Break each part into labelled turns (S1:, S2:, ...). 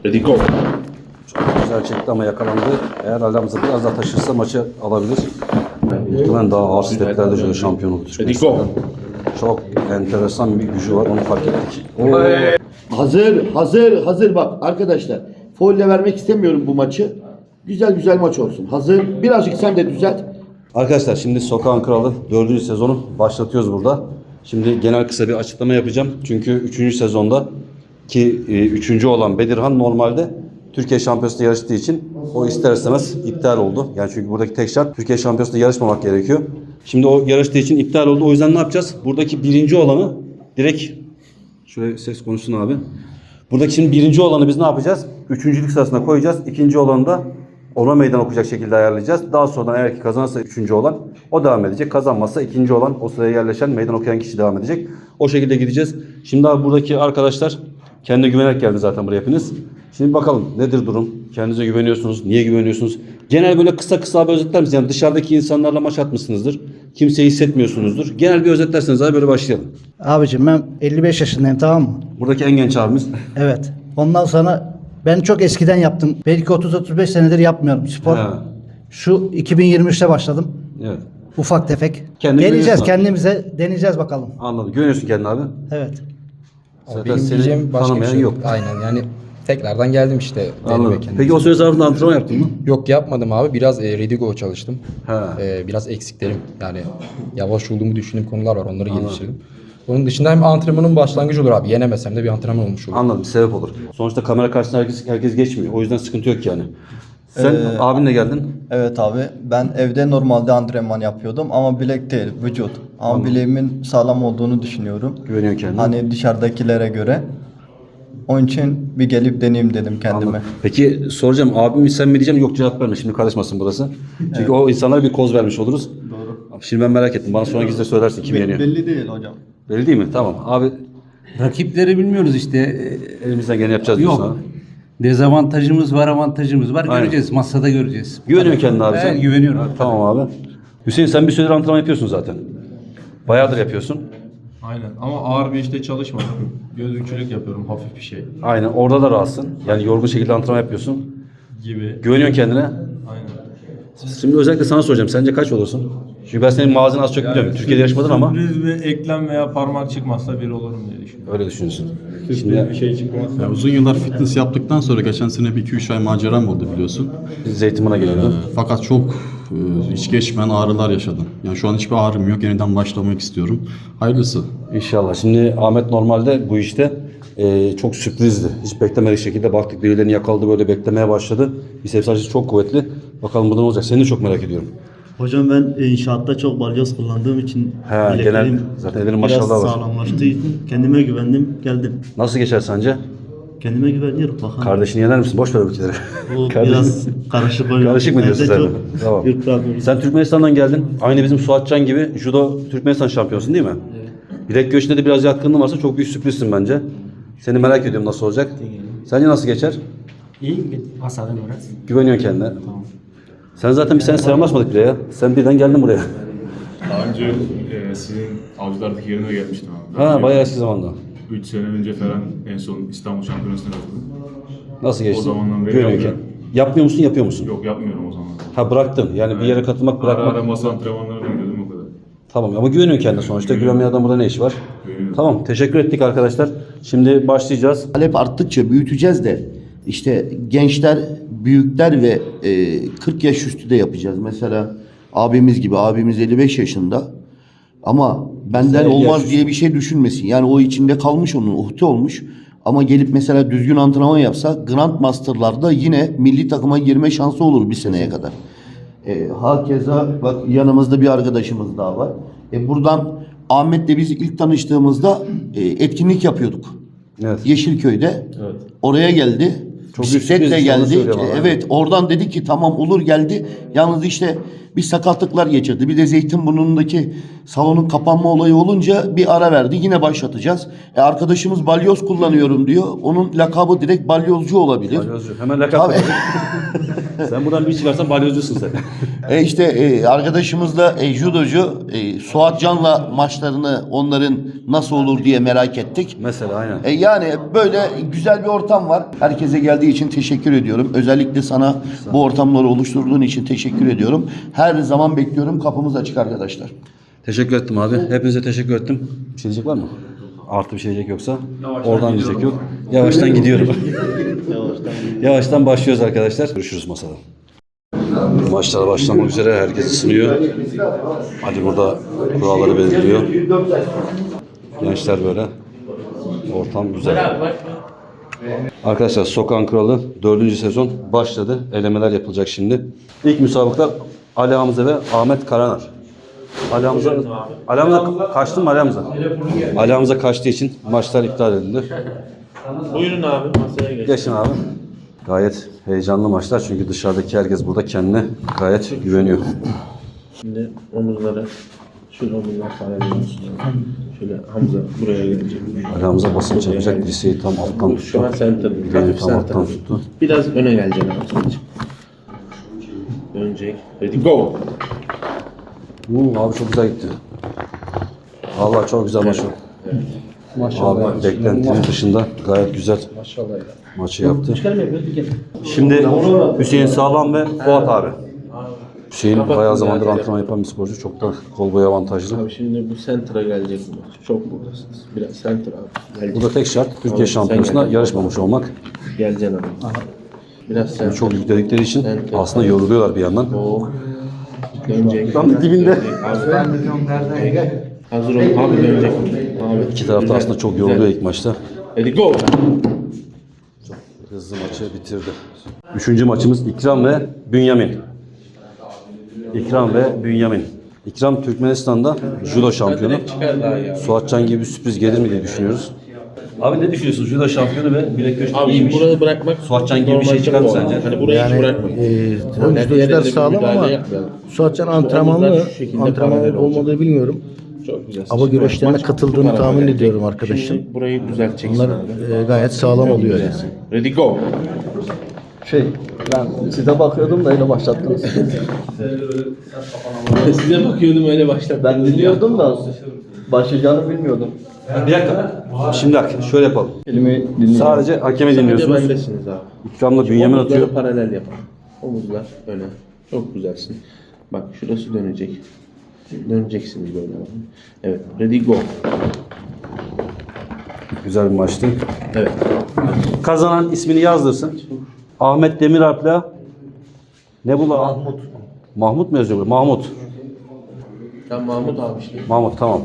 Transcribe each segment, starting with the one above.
S1: Ready go.
S2: Çok güzel çekti ama yakalandı. Eğer aramızda biraz daha taşırsa maçı alabilir. Muhtemelen daha ağır steplerde şöyle şampiyon oldu.
S1: Ready go.
S2: Çok enteresan bir gücü var, onu fark ettik.
S3: Hazır bak arkadaşlar. Faulle vermek istemiyorum bu maçı. Güzel maç olsun. Hazır. Birazcık sen de düzelt.
S2: Arkadaşlar şimdi Sokağın Kralı 4. sezonu başlatıyoruz burada. Şimdi genel kısa bir açıklama yapacağım. Çünkü 3. sezonda ki 3. olan Bedirhan normalde Türkiye Şampiyonası'nda yarıştığı için o ister istemez iptal oldu. Yani çünkü buradaki tek şart Türkiye Şampiyonası'nda yarışmamak gerekiyor. Şimdi o yarıştığı için iptal oldu. O yüzden ne yapacağız? Buradaki birinci olanı direkt şöyle ses konuşsun abi. Buradaki şimdi birinci olanı biz ne yapacağız? Üçüncülük sırasına koyacağız. İkinci olanı da ona meydan okuyacak şekilde ayarlayacağız. Daha sonra eğer ki kazanırsa üçüncü olan o devam edecek. Kazanmazsa ikinci olan o sıraya yerleşen meydan okuyan kişi devam edecek. O şekilde gideceğiz. Şimdi abi buradaki arkadaşlar kendine güvenerek geldi zaten buraya hepiniz. Şimdi bakalım nedir durum? Kendinize güveniyorsunuz. Niye güveniyorsunuz? Genel böyle kısa abi özetler misiniz? Yani dışarıdaki insanlarla maç atmışsınızdır. Kimseyi hissetmiyorsunuzdur. Genel bir özetlerseniz abi böyle başlayalım.
S4: Abicim ben 55 yaşındayım, tamam mı?
S2: Buradaki en genç abimiz.
S4: Evet. Ondan sonra ben çok eskiden yaptım. Belki 30-35 senedir yapmıyorum spor.
S2: Ha.
S4: Şu 2023'te başladım.
S2: Evet.
S4: Ufak tefek.
S2: Kendini
S4: Deneyeceğiz,
S2: güveniyorsun abi.
S4: kendimize deneyeceğiz bakalım.
S2: Anladım. Güveniyorsun kendine abi.
S4: Evet.
S2: Zaten
S5: Benim
S2: seni
S5: diyeceğim başka bir
S2: tanımayan
S5: şey
S2: yok.
S5: Aynen yani tekrardan geldim işte.
S2: Anladım.
S5: denemeye kendimi.
S2: Peki o süre zarfında antrenman yaptın mı?
S5: Yok yapmadım abi. Biraz Redigo çalıştım.
S2: Ha.
S5: Biraz eksiklerim. Yani yavaş olduğumu düşündüğüm konular var. Onları geliştirdim. Onun dışında hem antrenmanın başlangıcı olur abi. Yenemesem de bir antrenman olmuş olur.
S2: Anladım. Sebep olur. Sonuçta kamera karşısında herkes geçmiyor. O yüzden sıkıntı yok yani. Sen abinle geldin.
S6: Evet abi, ben evde normalde antrenman yapıyordum ama bilek değil, vücut. Ama bileğimin sağlam olduğunu düşünüyorum.
S2: Güveniyor kendine.
S6: Hani dışarıdakilere göre. Onun için bir gelip deneyeyim dedim kendime.
S2: Anladım. Peki soracağım abim mi sen mi diyeceğim, yok cevap verme şimdi karışmasın burası. Çünkü o insanlara bir koz vermiş oluruz.
S6: Doğru.
S2: Şimdi ben merak ettim. Bana sonra gizli söylersin kim yeniyor.
S6: Belli değil hocam.
S2: Belli değil mi? Tamam. Abi
S7: Rakipleri bilmiyoruz işte.
S2: elimizden geleni yapacağız diyorsun
S7: Yok.
S2: abi.
S7: Dezavantajımız var, avantajımız var.
S2: Aynen.
S7: Göreceğiz. Masada göreceğiz.
S2: Güveniyor kendine abi sen.
S7: Evet, güveniyorum.
S2: Ha, tamam abi. Hüseyin sen bir süredir antrenman yapıyorsun zaten. Bayağıdır yapıyorsun.
S8: Aynen ama ağır bir işte çalışmadım. Gözümcülük yapıyorum, hafif bir şey
S2: Aynen. Orada da rahatsın. Yani yorgun şekilde antrenman yapıyorsun.
S8: gibi.
S2: Güveniyorsun kendine.
S8: Aynen.
S2: Şimdi özellikle sana soracağım. Sence kaç olursun? Çünkü ben senin mağazını az çok biliyorum. Türkiye'de yarışmadın ama
S8: Sürpriz bir eklem veya parmak çıkmazsa bir olurum diye düşünüyorum.
S2: öyle düşünüyorsun.
S8: Sürpriz bir şey çıkmazsa.
S9: Ya uzun yıllar fitness yaptıktan sonra geçen sene bir 2-3 ay maceram oldu biliyorsun.
S2: Zeytinburnu'na geliyordun.
S9: Fakat çok hiç geçmeyen ağrılar yaşadım. Yani şu an hiçbir ağrım yok. Yeniden başlamak istiyorum. Hayırlısı.
S2: İnşallah. Şimdi Ahmet normalde bu işte çok sürprizdi. Hiç beklemediği şekilde baktık birilerini yakaladı, böyle beklemeye başladı. Biceps açısı çok kuvvetli. Bakalım burada ne olacak? Seni de çok merak ediyorum.
S10: Hocam ben inşaatta çok balyoz kullandığım için
S2: He,
S10: bileklerim
S2: genel zaten ellerin
S10: biraz
S2: maşallah var.
S10: sağlamlaştığı için kendime güvendim, geldim.
S2: Nasıl geçer sence?
S10: Kendime güveniyorum bakalım.
S2: Kardeşini yener misin? Boş ver bu ülkeleri.
S10: Bu biraz karışık oluyor.
S2: Karışık mı diyorsun
S10: Evde
S2: sen de?
S10: çok
S2: Tamam.
S10: yıpranıyorum.
S2: Sen Türkmenistan'dan geldin. Aynı bizim Suatcan gibi judo Türkmenistan şampiyonusun değil mi? Evet. Bilek göğsünde de biraz yatkınlığın varsa çok büyük sürprizsin bence. Seni merak ediyorum nasıl olacak. Sence nasıl geçer?
S11: İyi, hasadan biraz.
S2: Güveniyorsun kendine. Sen zaten bir sene selamlaşmadık bile ya. Sen birden geldin buraya.
S1: Daha önce sizin avcılardaki yerine gelmiştim abi.
S2: Ha bayağı eski zamanda.
S1: 3 sene önce falan en son İstanbul Şampiyonası'na katıldım.
S2: Nasıl geçti?
S1: O zamandan beri
S2: Güveniyorken.
S1: yapıyorum.
S2: Yapmıyor musun, yapıyor musun?
S1: Yok yapmıyorum o zaman.
S2: Ha bıraktın. Yani bir yere katılmak
S1: Ara
S2: bırakmak.
S1: ara masa antrenmanlarına gidiyordum o kadar.
S2: Tamam ama güveniyorsun kendine sonuçta. Güvenmeyen adam burada ne işi var?
S1: Güveniyorum.
S2: Tamam teşekkür ettik arkadaşlar. Şimdi başlayacağız.
S3: Talep arttıkça büyüteceğiz de işte gençler, büyükler ve 40 yaş üstü de yapacağız. Mesela abimiz gibi, abimiz 55 yaşında ama benden
S2: Mesela
S3: olmaz
S2: yaş
S3: diye bir şey düşünmesin. Yani o içinde kalmış onun, uhde olmuş. Ama gelip mesela düzgün antrenman yapsa Grandmaster'larda yine milli takıma girme şansı olur bir seneye kadar. Hakeza bak yanımızda bir arkadaşımız daha var. Buradan Ahmet'le biz ilk tanıştığımızda etkinlik yapıyorduk.
S2: Evet.
S3: Yeşilköy'de.
S2: Evet.
S3: Oraya geldi.
S2: Çok büyük
S3: Bisikletle
S2: sürpriz, onu
S3: geldi.
S2: söylüyorum ama.
S3: Evet, oradan dedi ki tamam olur geldi. Yalnız işte bir sakatlıklar geçirdi. Bir de Zeytinburnu'ndaki salonun kapanma olayı olunca bir ara verdi. Yine başlatacağız. Arkadaşımız balyoz kullanıyorum diyor. Onun lakabı direkt balyozcu olabilir.
S2: Balyozcu. Hemen lakap
S3: Tabii.
S2: verelim. Sen buradan bir çıkarsan balyozcusun sen.
S3: İşte arkadaşımız da judocu Suat Can'la maçlarını onların nasıl olur diye merak ettik.
S2: Mesela aynen.
S3: Yani böyle güzel bir ortam var. Herkese geldiği için teşekkür ediyorum. Özellikle sana bu ortamları oluşturduğun için teşekkür ediyorum. Her zaman bekliyorum. Kapımız açık arkadaşlar.
S2: Teşekkür ettim abi. Hepinize teşekkür ettim. Bir şey diyecek var mı? Artı bir şey diyecek yoksa? Oradan diyecek yok. Yavaştan gidiyorum. Yavaştan başlıyoruz arkadaşlar. Görüşürüz masada. Maçlar başlamak üzere. Herkes ısınıyor. Ali burada kuralları belirliyor. Gençler böyle. Ortam güzel. Arkadaşlar Sokağın Kralı 4. sezon başladı. Elemeler yapılacak şimdi. İlk müsabaklar Ali Hamza ve Ahmet Karanar. Ali Hamza kaçtı mı Ali Hamza? Ali Hamza kaçtığı için maçlar iptal edildi.
S12: Buyurun abi masaya geç.
S2: Geçin abi. Gayet heyecanlı maçlar çünkü dışarıdaki herkes burada kendine gayet güveniyor.
S12: Şimdi omuzları, şöyle omuzlar sarabiliyorsunuz. Şöyle Hamza buraya gelecek.
S2: Ali Hamza basınç yapacak, dirseği tam alttan tuttu.
S12: Şu an center.
S2: Bileğini tam alttan tuttu.
S12: Biraz öne geleceksin abi. Dönecek. Ready go.
S2: Abi çok güzel gitti. Vallahi çok güzel maç oldu.
S5: Maşallah.
S2: Abi beklentinin dışında gayet güzel
S5: Maşallah ya.
S2: maçı yaptı. Şimdi Hüseyin Sağlam ve Fuat abi. Hüseyin bayağı zamandır antrenman yapan bir sporcu. Çok da kol boyu avantajlı.
S12: Abi şimdi bu center'a gelecek bu maç. Çok buradasınız. Biraz center abi. Gelecek.
S2: Bu da tek şart. Türkiye
S12: Abi,
S2: şampiyonasında
S12: sen
S2: yarışmamış olmak.
S12: Geleceksin abi. Biraz center.
S2: Çok yükledikleri için aslında yoruluyorlar bir yandan.
S12: O dönecek.
S2: Tam da dibinde.
S12: Abi. Hazır ol. Abi dönecek. Abi.
S2: İki tarafta
S12: Güzel.
S2: aslında çok yoruluyor ilk maçta.
S12: Ready go.
S2: Hızlı maçı bitirdi. Üçüncü maçımız İkram ve Bünyamin. İkram ve Bünyamin. İkram Türkmenistan'da judo şampiyonu. Suatcan gibi bir sürpriz gelir mi diye düşünüyoruz. Abi ne düşünüyorsun? Judo şampiyonu ve bilek güreşi
S12: Abi
S2: iyiymiş.
S12: burayı bırakmak
S2: Suatcan gibi bir şey çıkar mı sence?
S12: Hani burayı hiç bırakmak.
S4: Oyuncular sağlam ama Suatcan antrenmanlı olmadığı bilmiyorum.
S12: Çok güzel.
S4: Ama güreşlerine katıldığını tahmin ediyorum arkadaşım.
S12: Şimdi burayı düzelteceksin.
S4: Bunlar gayet sağlam oluyor yani.
S12: Ready go.
S6: Ben size bakıyordum da öyle başlattınız.
S12: Size bakıyordum öyle başladım.
S6: Ben dinliyordum da başlayacağını bilmiyordum.
S2: Bir dakika. Şimdi bak şöyle yapalım.
S6: Elimi dinliyorum.
S2: Sadece hakemi dinliyorsunuz.
S12: Bendesiniz abi.
S2: İkramla Bünyamin
S12: Omuzları
S2: atıyor.
S12: paralel yapın. Omuzlar öne. Çok güzelsin. Bak şurası dönecek. Döneceksiniz böyle abi. Evet. Ready go.
S2: Güzel bir maçtı.
S12: Evet.
S2: Kazanan ismini yazdırsın. Ahmet Demiralp'la ne bu la? Mahmut. Mahmut mu yazıyor? Mahmut.
S12: Ben Mahmut abi işte.
S2: Mahmut tamam.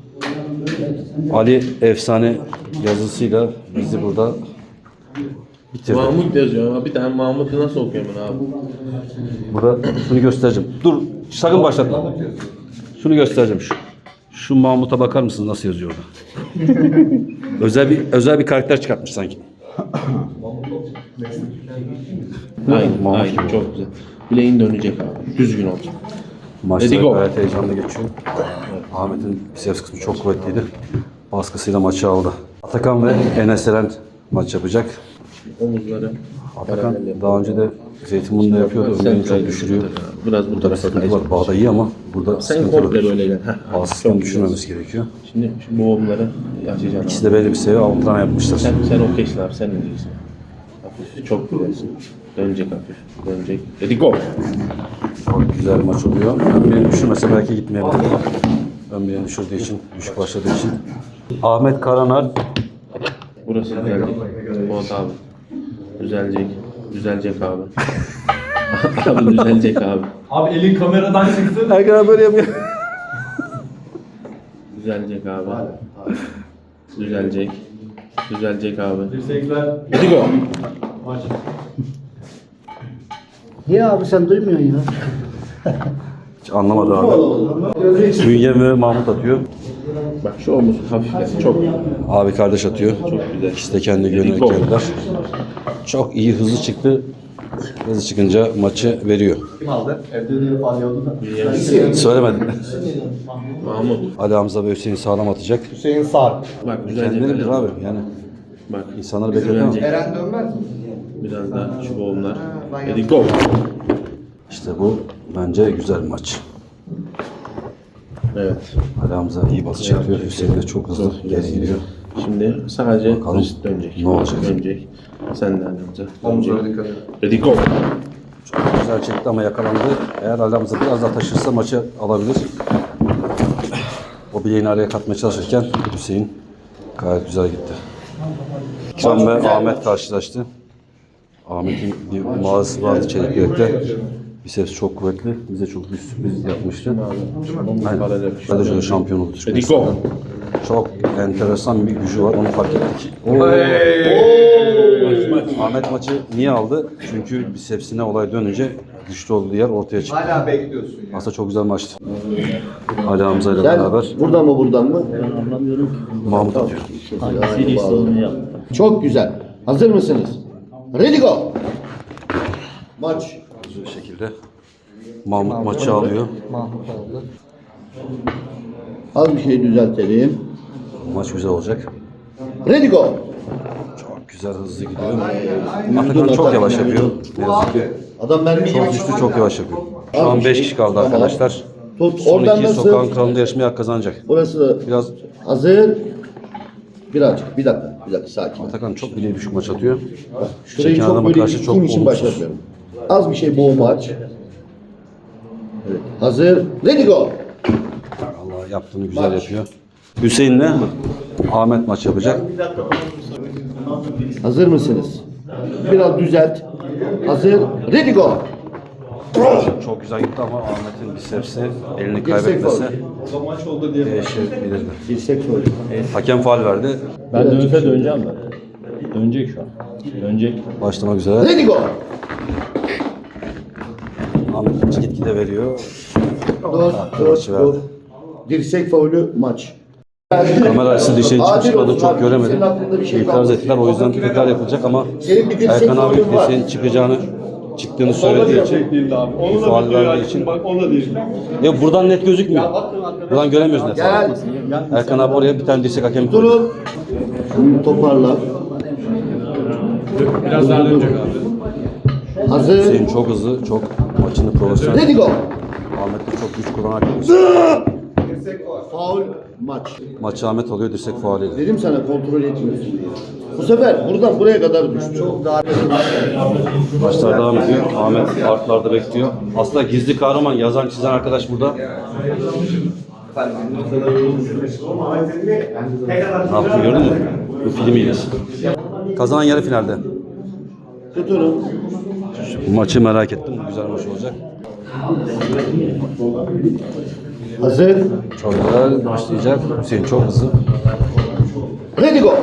S2: Ali efsane yazısıyla bizi burada bitirdi.
S12: Mahmut yazıyor ama bir tane Mahmut'u nasıl okuyorum ben abi?
S2: Burada şunu göstereceğim. Dur sakın başlatma. Şunu göstereceğim. Şu Mahmut'a bakar mısınız nasıl yazıyor orada? özel bir karakter çıkartmış sanki.
S12: Aynen,
S2: Mahmut
S12: aynen
S2: gibi.
S12: çok güzel. Bileğin dönecek abi. Düzgün olacak.
S2: Maçta
S12: Ready go.
S2: gayet heyecanlı geçiyor. Ahmet'in biceps kısmı çok kuvvetliydi. Baskısıyla maçı aldı. Atakan ve Enes Eren maç yapacak.
S12: Omuzları
S2: Atakan daha önce de Zeytinburnu'nda yapıyordu. Ömrünü çok düşürüyor.
S12: Biraz bu
S2: Burada bir
S12: tarafa
S2: sıkıntı
S12: kayacak.
S2: var. Bağda iyi ama burada
S12: Sen
S2: sıkıntı
S12: komple
S2: var.
S12: böyle gel.
S2: Bağsızlığını düşürmemiz gerekiyor.
S12: Şimdi şu boğumları açacaksın.
S2: İkisi de belli bir seviye antrenman yapmışlar.
S12: Sen okeysin abi, sen ne diyeceksin? Hafif, çok güzelsin. Dönecek hafif, dönecek. Ready go!
S2: Çok güzel bir maç oluyor. Ön bileğini düşürmese belki gitmeyebilir. Ön bileğini düşürdüğü için, düşük başladığı için. Ahmet Karanar.
S12: Burası düzelecek. Fuat abi. Düzelecek. Düzelecek abi. Abi düzelecek abi.
S1: Abi elin kameradan çıktı.
S2: Erkan böyle yapıyor.
S12: Düzelecek abi. Düzelecek. Düzelecek abi.
S1: Dirsekler.
S12: Ready go!
S4: Niye abi sen duymuyorsun ya?
S2: Hiç anlamadı abi. Bünye ve Mahmut atıyor.
S12: Bak şu omuz hafif geldi. Çok
S2: Abi kardeş atıyor.
S12: çok güzel.
S2: İkisi de kendi yönelik geldiler. Çok iyi hızlı çıktı. Hızlı çıkınca maçı veriyor.
S6: Kim aldı? Evde de alıyordu da.
S2: Söylemedim.
S12: Mahmut.
S2: Ali Hamza ve Hüseyin sağlam atacak.
S6: Hüseyin Sar.
S12: Bak düzelecek.
S2: Kendileridir abi yani.
S12: Bak.
S2: İnsanları bekletiyor ama.
S6: Eren dönmez mi?
S12: Biraz da şu boğumlar. Ready go.
S2: İşte bu bence güzel bir maç.
S12: Evet.
S2: Ali Hamza iyi basış yapıyor. Hüseyin de çok hızlı geri gidiyor.
S12: Şimdi sadece
S2: Bakalım
S12: basit dönecek.
S2: ne olacak?
S12: Dönecek. Sen de Hamza. Dönecek. Ready go.
S2: Çok güzel çekti ama yakalandı. Eğer Ali Hamza biraz daha taşırsa maçı alabilir. O bileğini araya katmaya çalışırken Hüseyin gayet güzel gitti. İkram ve Ahmet karşılaştı. Ahmet'in bir mağazası vardı Çeliköy'de. Biceps çok kuvvetli. Bize çok bir sürpriz yapmıştı. Aynen. Radyocu'da şampiyon oldu Türkmenistan'dan. Çok enteresan bir gücü var. Onu fark ettik. Ahmet maçı niye aldı? Çünkü bicepsine olay dönünce güçlü olduğu yer ortaya çıktı.
S3: Hala bekliyorsun ya.
S2: Aslında çok güzel maçtı. Ali Hamza ile
S3: Sen
S2: beraber
S3: buradan mı buradan mı?
S10: Ben anlamıyorum ki.
S2: Mahmut atıyor.
S10: Hangisi ise onu yaptı.
S3: Çok güzel. Hazır mısınız? Ready go. Maç.
S2: Bu şekilde Mahmut maçı alıyor.
S3: Az bir şey düzeltelim.
S2: Maç güzel olacak.
S3: Ready go.
S2: Çok güzel hızlı gidiyor. Atakan çok yavaş yapıyor. Ne yazık ki.
S3: Adam mermi gibi
S2: Çok güçlü, çok yavaş yapıyor. Şu an 5 kişi kaldı arkadaşlar.
S3: Tut.
S2: Son
S3: Oradan
S2: iki
S3: nasıl?
S2: sokağın kralında yarışmaya hak kazanacak.
S3: Burası da
S2: Biraz
S3: hazır. Birazcık. Bir dakika sakin.
S2: Atakan çok bileği düşük maç atıyor.
S3: Şurayı
S2: Çeken
S3: çok
S2: adama
S3: böyle
S2: karşı çok
S3: gittiğim için
S2: olumsuz.
S3: başlatıyorum. Az bir şey boğma aç. Evet. Hazır. Ready go.
S2: Allah yaptığını güzel yapıyor. Hüseyin'le Ahmet maç yapacak.
S3: Hazır mısınız? Biraz düzelt. Hazır. Ready go.
S2: Çok güzel gitti ama Ahmet'in bicepsi elini
S3: Dirsek
S2: kaybetmesi
S3: faul.
S2: değişebilirdi.
S3: Dirsek faul.
S2: Hakem faul verdi.
S10: Ben dönse döneceğim ben. Dönecek şu an. Dönecek.
S2: Başlamak üzere.
S3: Ready go.
S2: Ahmet gitgide veriyor.
S3: Dur. Dirsek faulü maç.
S2: Kamera açısı dışarı
S3: Adil
S2: çıkmadı
S3: olsun
S2: çok
S3: abi.
S2: göremedim.
S3: Senin aklında bir şey
S2: İtiraz
S3: kalmasın.
S2: ettiler o yüzden tekrar yapılacak ama
S3: Senin bir dirsek
S2: Erkan abi
S3: faulün var.
S2: Hüseyin çıktığını söylediği için faul verdiği için ya buradan net gözükmüyor. Buradan göremiyoruz net.
S3: Gel.
S2: Erkan abi oraya bir tane dirsek hakemi koydu.
S3: Durun. Şunu toparla.
S1: Biraz daha dönecek abi.
S3: Hazır.
S2: Hüseyin çok hızlı, çok maçını profesyonel.
S3: Ready go.
S2: Ahmet de çok güç kullanarak
S3: Faul maç.
S2: maçı Ahmet alıyor dirsek faaliyle.
S3: Dedim sana kontrol etmiyorsun diye. Bu sefer buradan buraya kadar düştü. Çok daha
S2: Maçlar devam ediyor. Ahmet artlarda bekliyor. Aslında gizli kahraman yazan çizen arkadaş burada. Ne yaptı gördün mü? Bu film hilesi. Kazanan yarı finalde.
S3: tutun.
S2: Bu maçı merak ettim. Bu güzel maç olacak.
S3: Hazır.
S2: Çok güzel başlayacak. Hüseyin çok hızlı.
S3: Ready go.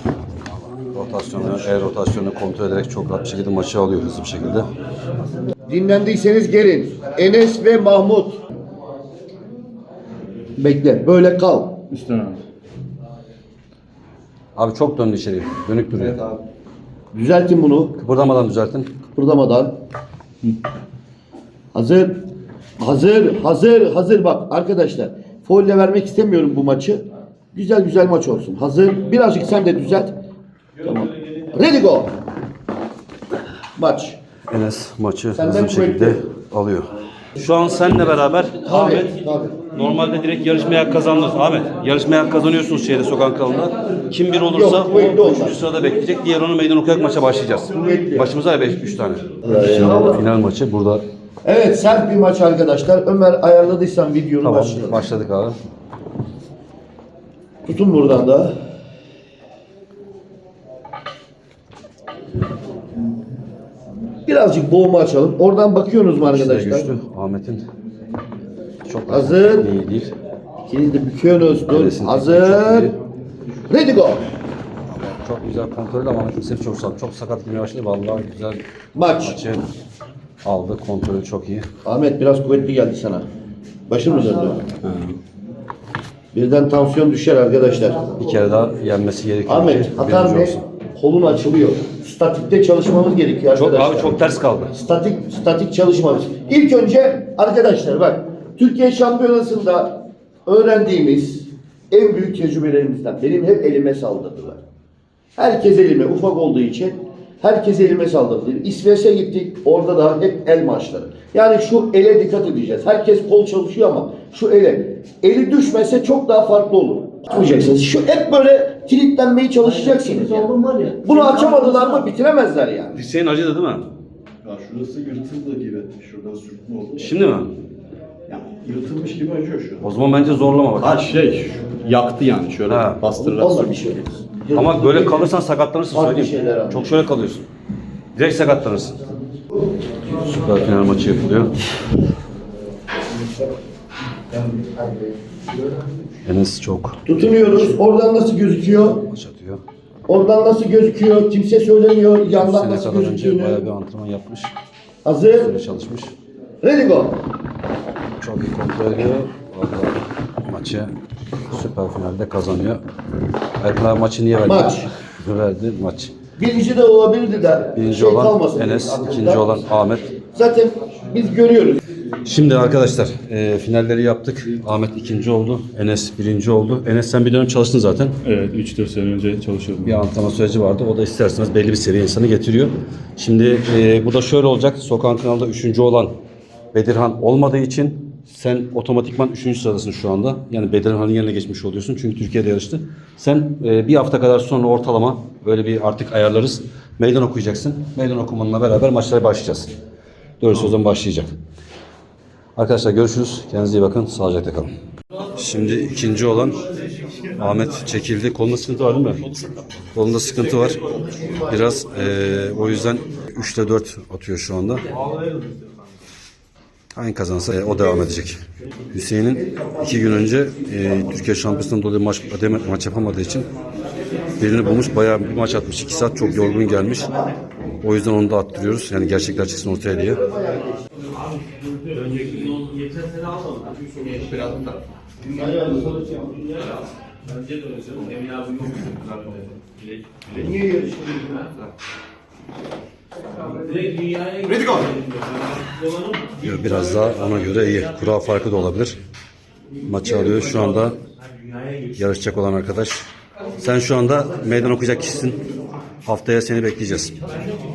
S2: Rotasyonu kontrol ederek çok rahat bir şekilde maçı alıyor hızlı bir şekilde.
S3: Dinlendiyseniz gelin. Enes ve Mahmut. Bekle. Böyle kal.
S10: Üstten abi.
S2: Abi çok döndü içeri. Dönük duruyor.
S3: Düzeltin bunu.
S2: Kıpırdamadan düzeltin.
S3: Kıpırdamadan. Hazır. Hazır bak arkadaşlar. Folle vermek istemiyorum bu maçı. Güzel maç olsun. Hazır. Birazcık sen de düzelt. Tamam. Ready go. Maç.
S2: Enes maçı
S3: Senden
S2: hızlı bir şekilde
S3: kuvvetli.
S2: alıyor. Şu an seninle beraber Ahmet
S3: Tabii.
S2: normalde direkt yarışmaya hak kazandınız. Ahmet yarışmaya hak kazanıyorsunuz şeyde sokak kralında. Kim bir olursa
S3: Yok,
S2: o
S3: kuvvetli olmaz.
S2: 3. sırada bekleyecek. Diğer onu meydan okuyarak maça başlayacağız.
S3: Kuvvetli.
S2: Başımıza 3 tane. Şimdi final maçı burada.
S3: Evet sert bir maç arkadaşlar. Ömer ayarladıysan videonu
S2: Tamam
S3: başlayalım.
S2: başladık abi.
S3: Tutun buradan da. Birazcık boğma açalım. Oradan bakıyorsunuz mu
S2: İkisi de
S3: arkadaşlar?
S2: güçlü. Ahmet'in çok
S3: Hazır.
S2: iyi değil.
S3: İkiniz de büküyorsunuz. Dur.
S2: Neresini
S3: Hazır.
S2: çok iyi.
S3: Ready go.
S2: Çok güzel kontrol ama Ahmet'in sırf çok sakat girmeye başladı. Vallahi güzel
S3: Maç.
S2: maçı aldı. Kontrolü çok iyi.
S3: Ahmet biraz kuvvetli geldi sana. Başın mı döndü? Birden tansiyon düşer arkadaşlar.
S2: Bir kere daha yenmesi gerekiyor.
S3: Ahmet
S2: ki
S3: hatan
S2: birinci
S3: ne?
S2: olsun.
S3: Kolun açılıyor. Statikte çalışmamız gerekiyor
S2: Çok
S3: arkadaşlar.
S2: abi çok ters kaldı.
S3: Statik çalışmamız. İlk önce arkadaşlar bak Türkiye Şampiyonası'nda öğrendiğimiz en büyük tecrübelerimizden benim hep elime saldırdılar. Herkes elime ufak olduğu için Herkes elime saldırdı. İsveç'e gittik. Orada da hep el maçları. Yani şu ele dikkat edeceğiz. Herkes kol çalışıyor ama şu ele. Eli düşmese çok daha farklı olur. Tutmayacaksınız. Şu hep böyle kilitlenmeye çalışacaksınız. Yani. Bunu açamadılar mı bitiremezler yani.
S2: Dirseğin acıdı değil mi?
S9: Ya şurası yırtıldı gibi. Şuradan sürtme oldu.
S2: Şimdi mi?
S9: Ya yırtılmış gibi acıyor şu an.
S2: O zaman bence zorlama bak.
S9: Ha yaktı yani şöyle bastırarak.
S3: Olma bir şey.
S2: Ama böyle kalırsan sakatlanırsın
S3: Farklı
S2: söyleyeyim.
S3: şeyler abi.
S2: Çok şöyle kalıyorsun. Direkt sakatlanırsın. Süper final maçı yapılıyor. Enes çok
S3: Tutunuyoruz. Oradan nasıl gözüküyor?
S2: maç atıyor.
S3: Oradan nasıl gözüküyor? Kimse söylemiyor. Yandan
S2: Sene
S3: nasıl
S2: kadar önce
S3: gözüktüğünü.
S2: bayağı bir antrenman yapmış.
S3: Hazır.
S2: Üzerine çalışmış.
S3: Ready go.
S2: Çok iyi kontrol ediyor. Vallahi maçı süper finalde kazanıyor. Erkan abi maçı niye verdi?
S3: Maç.
S2: Verdi maç.
S3: Birinci de olabilirdi de.
S2: Birinci olan
S3: kalmasın
S2: Enes,
S3: aklında.
S2: ikinci olan Ahmet.
S3: Zaten biz görüyoruz.
S2: Şimdi arkadaşlar finalleri yaptık. Ahmet ikinci oldu. Enes birinci oldu. Enes sen bir dönem çalıştın zaten.
S1: Evet 3-4 sene önce çalışıyordum.
S2: Bir antrenman süreci vardı. O da isterseniz belli bir seviye insanı getiriyor. Şimdi bu da şöyle olacak. Sokağın kanalda üçüncü olan Bedirhan olmadığı için sen otomatikman 3. sıradasın şu anda. Yani Bedirhan'ın yerine geçmiş oluyorsun. Çünkü Türkiye'de yarıştı. Sen bir hafta kadar sonra ortalama böyle bir artık ayarlarız. Meydan okuyacaksın. Meydan okumanla beraber maçlara başlayacağız. Doğrusu o zaman başlayacak. Arkadaşlar görüşürüz. Kendinize iyi bakın. Sağlıcakla kalın. Şimdi ikinci olan Ahmet çekildi. Kolunda sıkıntı var değil mi? Kolunda sıkıntı var. Biraz o yüzden 3'te 4 atıyor şu anda. Hangi kazansa o devam edecek. Hüseyin'in 2 gün önce Türkiye Şampiyonası'ndan dolayı maç yapamadığı için birini bulmuş. Bayağı bir maç atmış. 2 saat çok yorgun gelmiş. O yüzden onu da attırıyoruz. Yani gerçekler çıksın ortaya diye. Biraz daha ona göre iyi. Kura farkı da olabilir. Maçı alıyor. Şu anda yarışacak olan arkadaş. Sen şu anda meydan okuyacak kişisin. Haftaya seni bekleyeceğiz.